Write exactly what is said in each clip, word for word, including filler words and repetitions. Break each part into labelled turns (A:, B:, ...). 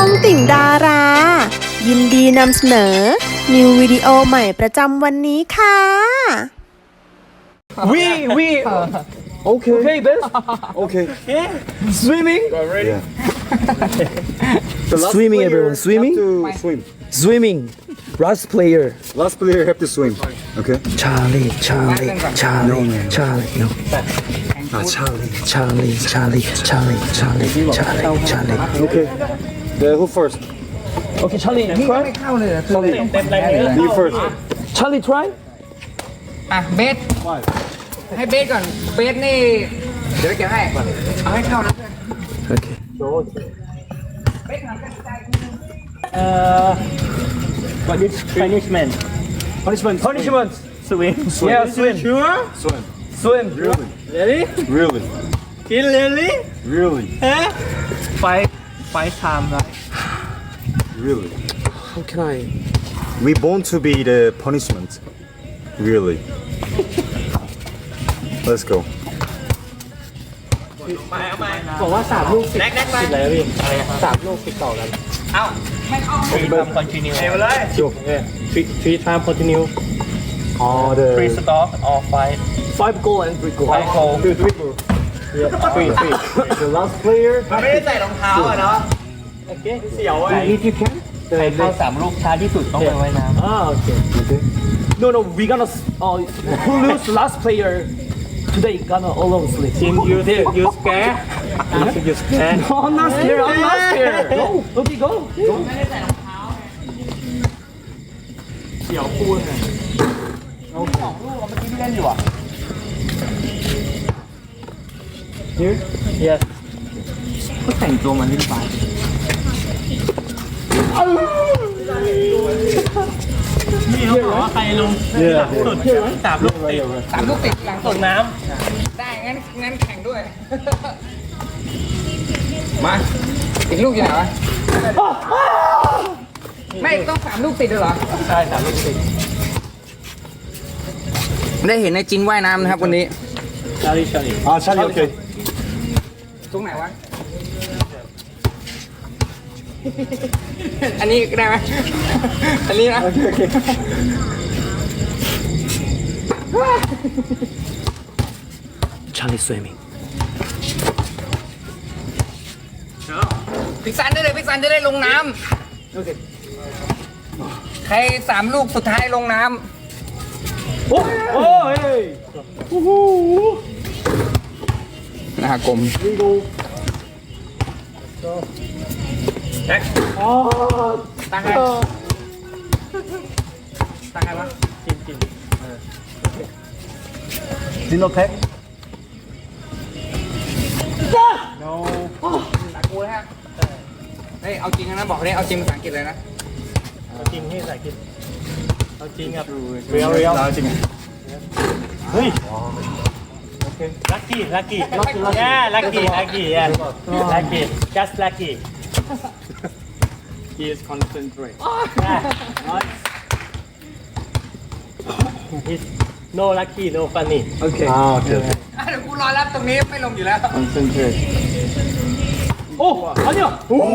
A: องติ่งดารา ยินดีนำเสนอ นิววิดีโอใหม่ประจำวันนี้ค่ะ
B: We we
C: Okay.
B: okay, best.
C: Okay.
B: Yeah. Swimming.
C: Yeah. The last
B: Swimming,
C: player
B: everyone, swimming?
C: Have to swim.
B: Swimming. Last player.
C: Last player have to swim. Okay.
B: Charlie, Charlie, Charlie, Charlie, no.
C: Ah, Charlie.
B: Charlie, Charlie, Charlie, Charlie, Charlie, Charlie.
C: Okay. The who first?
B: Okay, Charlie, try.
C: Me first.
B: Charlie, try.
D: อ่ะเบสให้เบสก่อนเบสนี่เดี๋ยวเก็บให้เอาให้เข้านะเพื่อน
B: Okay.
D: เบสทำกันใจ
E: Uh, what is punishment?
C: Punishment.
E: Punishment. Swim.
B: Yeah, swim.
E: Sure.
C: Swim.
B: Swim.
C: Really?
E: Really?
C: Really?
E: Kill really?
C: Really?
E: Huh? Five, five times, right?
C: Really?
B: How can I?
C: We born to be the punishment. Really? Let's go.
E: บอกว่าสามลูกติดติดอะไรวะพี่อะไรนะสามลูกติดต่อกัน
D: เอ้าไม่เข้า
E: three time continue เร็วเลย three three time continue
C: Oh, the
E: three stop or five
B: Five goal and three goal.
E: five goal
C: three, three, four.
E: yeah three three
C: The last player.
D: ไม่ได้ใส่รองเท้าอ่ะเนาะ
E: okay เสียวไอ้
B: If you can.
E: ใครเข้าสามลูกช้าที่สุดต้องไปว่ายน้ำ
B: Ah, okay.
C: Okay.
B: No, no, we gonna. Uh, who lose last player today? Gonna all of sleep.
E: team you you scare you scare
B: No, I'm not scared. I'm not scared. Go, okay, go. Go.
D: ไม่ได้ใส่รองเท้า
E: เสียวปูนอ่ะ
D: สองลูกเมื่อกี้ที่เล่นอยู่อ่ะ
E: here yes ก็แต่งตัวมันนิดไปนี่เขาบอกว่าใครลงหลังสุดสามลูกติด
D: สามลูกติดหลัง
E: ต
D: สุ
E: ก
D: ด
E: น้
D: ได้งั้นงั้นแข่งด้วยมาอีกลูกอยู่ไหนวะไม่ต้องสามลูกติดเลยเหรอ
E: ำใช่สามลูกติด
D: ได้เห็นในจินว่ายน้ำนะครับวันนี้
E: ชาลีชาลี
C: Ah, Charlie. Okay.
D: ตรงไหนวะ อันนี้ได้ไหมอันนี้นะ
B: Charlie swimming.
D: พิกซันได้เลยพิกซันจะได้ลงน้ำ
B: โอเค
D: ใครสามลูกสุดท้ายลงน้
B: Oh, oh, hey.
D: ำนะฮะกลม
B: Oh.
D: ตั้งไงตั้งไงวะ
E: กินกิน
B: Dino pack.
D: ตะกูเลยฮะเฮ้ยเอาจริงนะบอกเลยเอาจริงภาษาอังกฤษเลยนะ
E: จริงที่ใส่กินเอาจริงครับเรียวเรียวเฮ้ยลัคกี้ลัคกี้ย่าลัคกี้ลัคกี้ย่าลัคกี้ just lucky
D: he is concentrate
E: He's no lucky no funny
B: Okay.
C: Ah, okay. okay.
D: เดี๋ยวกูรอรับตรงนี้ไม่ลงอยู่แล้ว
C: Concentrate.
B: Oh, 아니야.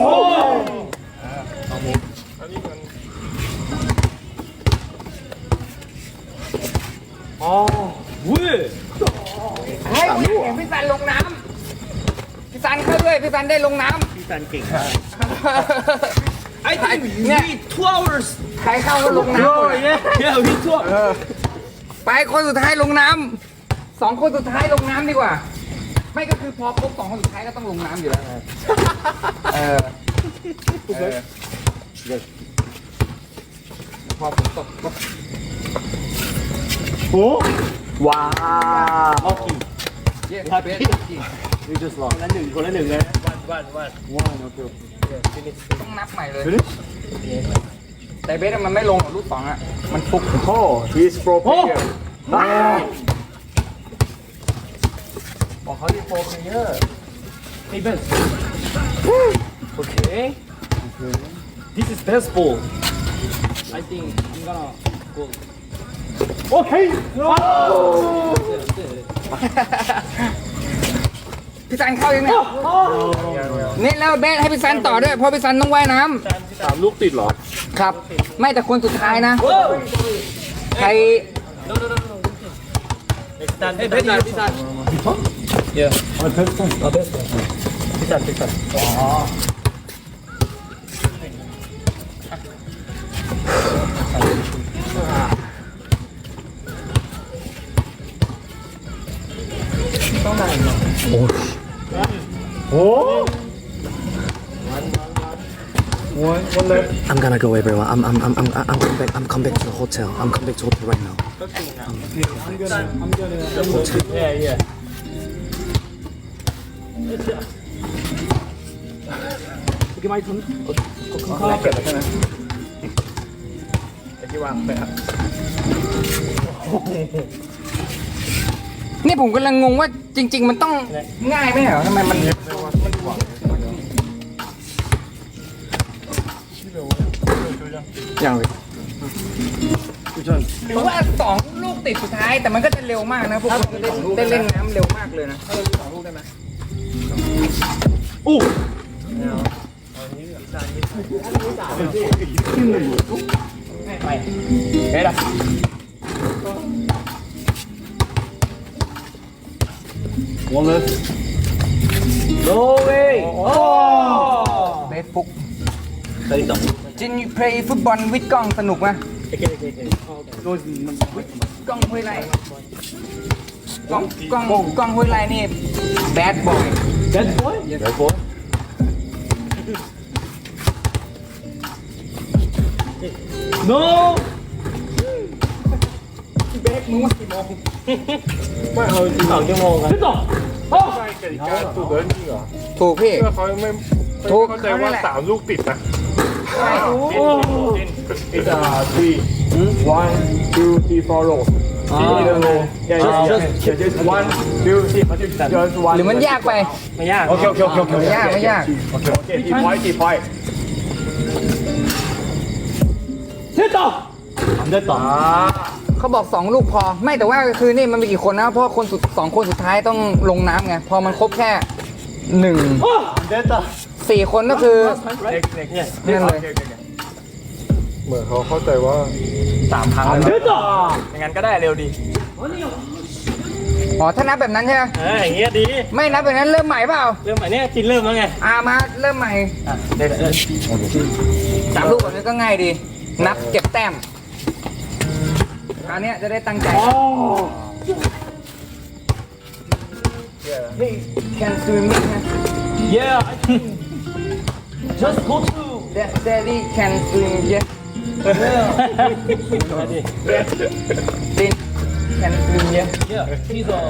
B: 아, 왜?
D: เฮ้ยกูอยากเห็นพี่ซันลงน้ำพี่ซันเข้าด้วยพี่ซันได้ลงน้
E: พี่ซันเก่งมาก
D: ำ
B: I think we need two hours.
D: ใครเข้าก็ลงน้ำหมดเลย
B: Yeah, we two hours.
D: ไปคนสุดท้ายลงน้ำสองคนสุดท้ายลงน้ำดีกว่า ไม่ก็คือพอครบสองคนสุดท้ายก็ต้องลงน้ำอยู่แล้วเออเออพอฝนตกปุ๊บ
B: Oh? Wow.
D: เย้เบส
C: We just
E: คน
C: lost.
E: ละหนึ่งคนละหนึ่งเลยวันวันวัน
C: One. Okay. okay.
D: ต้องนับใหม่เลย
C: Finish?
D: แต่เบสมันไม่ลงหรอกลูกสองอ่ะ มันฟุก
C: Oh, he is pro player.
B: Ah.
D: บอกเขาที่โฟมเยอะ
B: Hey, Ben. Okay. This is best ball. I think I'm gonna go. Okay. No.
D: พี่ซันเข้ายังเนี่ยนี่แล้วเบสให้พี่ซันต่อด้วยเพราะพี่ซันต้องว่ายน้ำ
B: สามลูกติดเหรอ
D: ครับ ไม่แต่คนสุดท้ายนะ ใคร
B: เฮ้ยเพชรหน่อยพี่ซันเยอะเอาเพชรเอาเพชรพี่ซันพี่ซันอ๋อ
F: I'm gonna go everyone. I'm I'm I'm I'm I'm come back. I'm come back to the hotel. I'm come back to hotel right now.
B: yeah yeah เมื่อกี้ไม่ทุนข้าวเก็บแล้วใช่ไหมไอ้ที่วางไปครับ
D: นี่ผมกำลังงงว่าจริง ๆ มันต้องง่ายไหมเหรอทำไมมันอย่างเลยหรือว่าสองลูกติดสุดท้ายแต่มันก็จะเร็วมากนะพวกคุณได้เล่นน้ำเร็วมากเลยนะสองลูกได้ไหม
B: อู้
D: ไปเฮ้ยล่ะ
B: 원래 no way
D: เบสฟุกจินยูเพลย์ฟุตบอลวิดกล้องสนุกไหมกล้องห้วยไร่กล้องกล้องกล้องห้วยไร่นี่แบดบอย
B: bad boy bad boy no
D: เบสมึงว่ากี่โมง
E: ไม่เอาสองชั่วโมงครับ
B: 됐다 어
G: กติกาถูกแล้วจริงเหรอ
D: ถูกพี่
G: เพื่อเขาไม่
D: ถูก
G: เข้าใจว่าสามลูกติดนะ
D: ใช่
G: It's a three one two three four roll yeah yeah yeah just one two three just one
D: หรือมันยากไป
E: ไม่ยาก
G: โอเคโอเคโอเคโอเค
D: ไม่ยากไม่ยาก
G: โอเคโอเคตีพอยต์ตีพอยต์
B: 됐다 안 됐다
D: เขาบอกสองลูกพอไม่แต่ว่าคือนี่มันมีกี่คนนะเพราะคนสุดสองคนสุดท้ายต้องลงน้ำไงพอมันครบแค่หนึ่ง
B: 어
D: สี่คนก็คือ
G: next next
D: นั่นเลย
G: เหมือนเขาเข้าใจว่า
E: สามครั้ง
B: 안
E: เลย
B: 됐다
E: อย่างนั้นก็ได้เร็วดี
D: อ๋อถ้านับแบบนั้นใช่ไหม
E: เอออย่างเงี้ยดี
D: ไม่นับแบบนั้นเริ่มใหม่เปล่า
E: เริ่มใหม่เนี่ยจินเริ่มแล้วไง
D: อ่ามาเริ่มใหม่
E: อ่ะเดี๋ยวเดี๋ยว
D: สามลูกแบบนี้ก็ง่ายดี นับเก็บแต้มคราวเนี้ยจะได้ตั้งใจ Hey can swimming นะ
B: yeah I can just go to
D: Daddy can swim yes
E: มาดิ
D: Din can swim yes
B: yeah he's a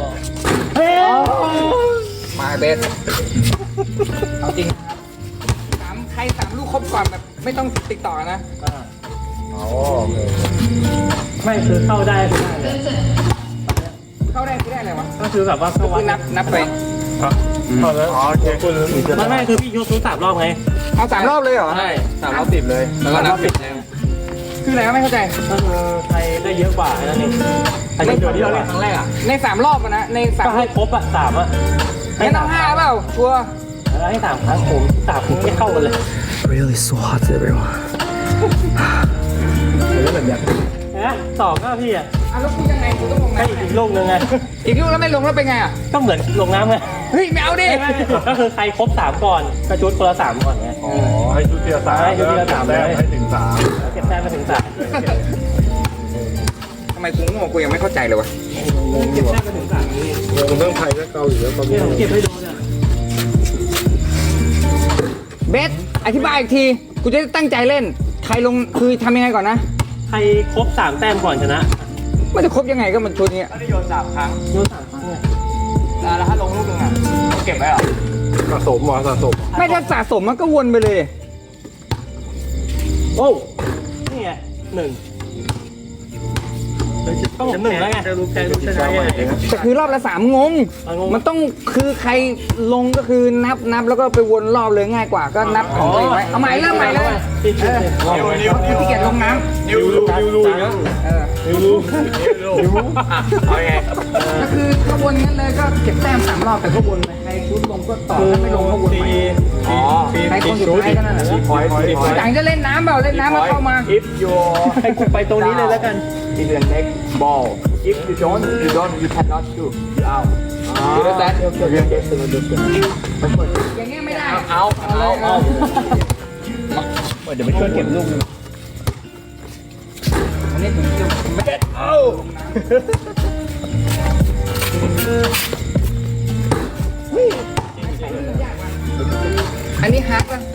D: มาเบสเอาจริงสามใครสามลูกครบก่อนแบบไม่ต้องติดต่อนะ
G: อ๋อโอเค
E: ไม่คือเข้าได้ไม่ได้เลย
D: เข้าได้คือได้อะไรวะ
E: ก็คือแบบว่าเข้าวั
D: คื
E: ด
D: อนับนับไป
G: เอาแล้วอ๋อโอเคคุณ
E: ไม่ไม่คือพี่ยกทุกสามรอบไง
D: เอาสามรอบเลยเหรอ
E: ใช่
D: สามรอบติดเลยแล้วก็นับติดเลยคืออะไรวะไม่เข้าใจ
E: ก็คือใครได้เยอะกว่าแค่นั้นเองใครได้เยอะที่เราเล่นครั้งแรกอ่ะ
D: ในสามรอบอะนะในสาม
E: ก็ให้ครบอ่ะสามอ่ะ
D: งั้นเอาห้าเปล่าชัวร์
E: แล้วให้สามครั้งผมสามผมไม่เข้ากันเลย
F: Really so hot, everyone.
E: นะสองก็พี่อ่ะ
D: อ่ะแล้วกูยังไงกูต้องลง
E: ให้
D: น้ำ
E: อีกลูกนึงไง
D: อีกลูกแล้วไม่ลงแล้วเป็นไงอ่ะ
E: ก็เหมือนลงน้ำไง
D: เฮ้ยไม่เอาดิ
E: ไม่ไม่ก็คือใครครบสามก่อนก็ชุดคนละสามก่อนไง
G: อ๋อให้ชุดเทียร์สาม
E: ให้ชุดเทียร์สามเลย
G: ให้ถึงสาม
E: เก็บแต้มไปถึงสาม
D: ทำไมกูโง่กูยังไม่เข้าใจเลยวะ
E: เก็บแต้มไปถึงสามนี่
G: งงเรื่องไทยและเกาหลีแล้วตอน
E: นี่
G: นี้
E: ผมเก็บให้ดูเนี่ย
D: เบสอธิบายอีกทีกูจะได้ตั้งใจเล่น ใครลงคือทำยังไงก่อนนะ
E: ใครครบสามแต้มก่อนชนะ
D: มันจะครบยังไงก็มันชุดนี้
E: โยนสามครั้งไง
D: แล้วถ้าลงลูกนึงอ่ะเก็บไว้เหรอ
G: สะสมเหรอสะสม
D: ไม่ถ้าสะสมมันก็วนไปเลย
E: โอ้นี่ไงหนึ่งจะหนึ่งแล้วไงจะรู้ใครรู้ชนะยังไง
D: แต่คือรอบละสามงง
E: อ่ะงง
D: มันต้องคือใครลงก็คือนับนับแล้วก็ไปวนรอบเลยง่ายกว่าก็นับของตัวเองไว้เอาใหม่เริ่มใหม่เลยเออขี้เกียจลงน้ำ
G: นิวรูนิวรูอย่างเงี้ย
D: เออ
G: นิวรูนิวรูเอาไง
D: ก็คือถ้าวนงั้นเลยก็เก็บแต้มสามรอบแต่ก็วนไปใครชุดลงก็ต่อถ้าไม่ลงก็วนใหม่
G: อ๋อ
D: ใครคนสุดท้ายก็นั่นแหละ
G: พอยต์พอยต์
D: หลังจะเล่นน้ำเปล่าเล่นน้ำมาเข้ามา
G: if you
E: ให้กูไปตรงนี้เลยแล้วกัน
G: in the next ball if you don't you don't you cannot shoot you out
D: ดูแล้วแต่
G: okay
D: อย่างเงี้ยไม่ได้
G: เอาเอาเอา
E: เดี๋ยวไปช่วยเก็บลูกนึง
D: อันนี้ผมจะไม่ได้
G: เอา
D: อันนี้ฮาร์ดป่ะ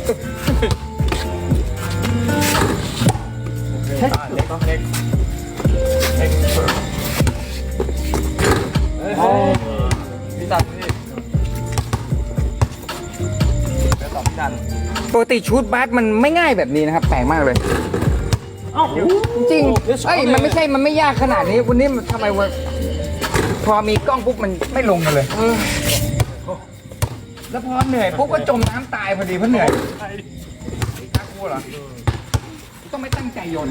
G: พี่ตัดพี่แล้วตอบพี่ตัน
D: ปกติชุดบาสมันไม่ง่ายแบบนี้นะครับแปลกมากเลย
E: เอ้า
D: จริงๆเอ้ยมันไม่ใช่มันไม่ยากขนาดนี้วันนี้มันทำไมวะพอมีกล้องปุ๊บมันไม่ลงกันเลยแล้วพอเหนื่อยปุ๊บก็จมน้ำตายพอดีเพราะเหนื่อยน่ากลัวเหรอต้องไม่ตั้งใจโยน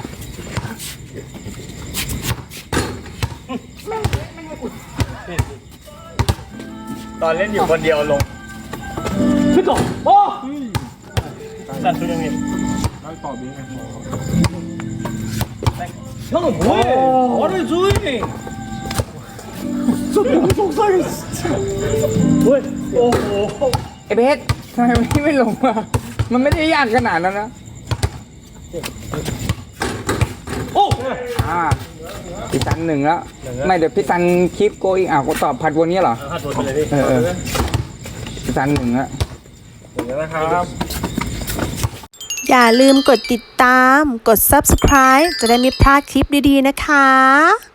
G: ตอนเล่นอยู่คนเดียวลง
B: พี่ก่อนโอ้
E: ตัดตัวยังไง
B: 형은 뭐해? What are you doing? 저 너무 속상해 진짜. 왜? 오.
D: ไอ้เพชรทำไมวันนี้ไม่ลงมามันไม่ได้ยากขนาดนั้นนะ
B: 오.
D: อ่าพี่ซันหนึ่งแล้วไม่เดี๋ยวพี่ซันคลิปโกอีกอ่ะก็ตอบผัดวนนี้เหรอ
E: ห้าตัวไปเลยพี่
D: เออเออพี่ซันหนึ่งแล้ว
G: นะครับ
A: อย่าลืมกดติดตาม กด ซับสไครบ์ จะได้ไม่พลาดคลิปดีๆนะคะ